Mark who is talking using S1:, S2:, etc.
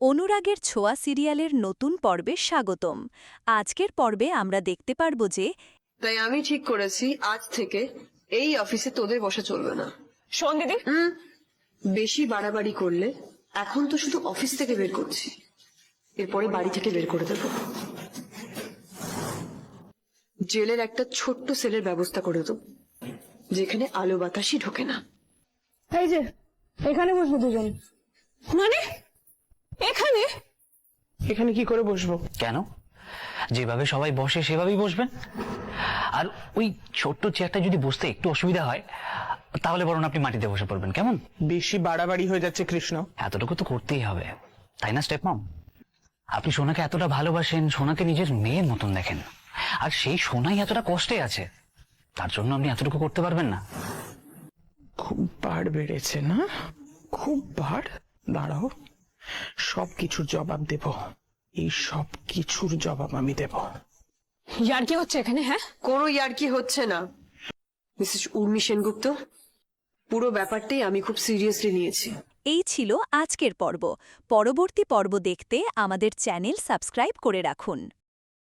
S1: অনুরাগের ছোঁয়া সিরিয়ালের নতুন পর্বে স্বাগতম। আজকের পর্বে আমরা দেখতে পারব যে
S2: তাই আমি ঠিক করেছি আজ থেকে এই অফিসে তোদের বসা চলবে না।
S3: শোন দিদি,
S2: বেশি বাড়াবাড়ি করলে এখন তো শুধু অফিস থেকে বের করছি, এরপরে বাড়ি থেকে বের করে দেব। জেলের একটা ছোট্ট সেলের ব্যবস্থা করে দেব, যেখানে আলো বাতাসই ঢোকে না।
S3: এই যে এখানে বসবো দুজন। মানে এখানে
S4: এখানে কি করে বসবো?
S5: কেন? যেভাবে সবাই বসে সেভাবেই বসবেন। আর ওই ছোট্ট চেয়ারটা যদি বসতে একটু অসুবিধা হয় তাহলে বরং আপনি মাটিতে বসে পড়বেন, কেমন?
S4: বেশি বাড়াবাড়ি হয়ে যাচ্ছে কৃষ্ণ।
S5: এতটুকু তো করতেই হবে, তাই না স্টেপ মম? আপনি সোনাকে এতটা ভালোবাসেন, সোনাকে নিজের মেয়ের মতন দেখেন, আর সেই সোনাই এতটা কষ্টে আছে, তার জন্য আপনি এতটুকু করতে পারবেন না?
S4: খুব বাড় বেড়েছে না? খুব বাড়। দাঁড়াও, সব কিছুর জবাব দেব। এই সব কিছুর জবাব আমি দেব।
S3: ইয়ার কি হচ্ছে এখানে? হ্যাঁ,
S2: কোনো ইয়ার্কি হচ্ছে না মিসেস উর্মি সেনগুপ্ত, পুরো ব্যাপারটাই আমি খুব সিরিয়াসলি নিয়েছি।
S1: এই ছিল আজকের পর্ব। পরবর্তী পর্ব দেখতে আমাদের চ্যানেল সাবস্ক্রাইব করে রাখুন।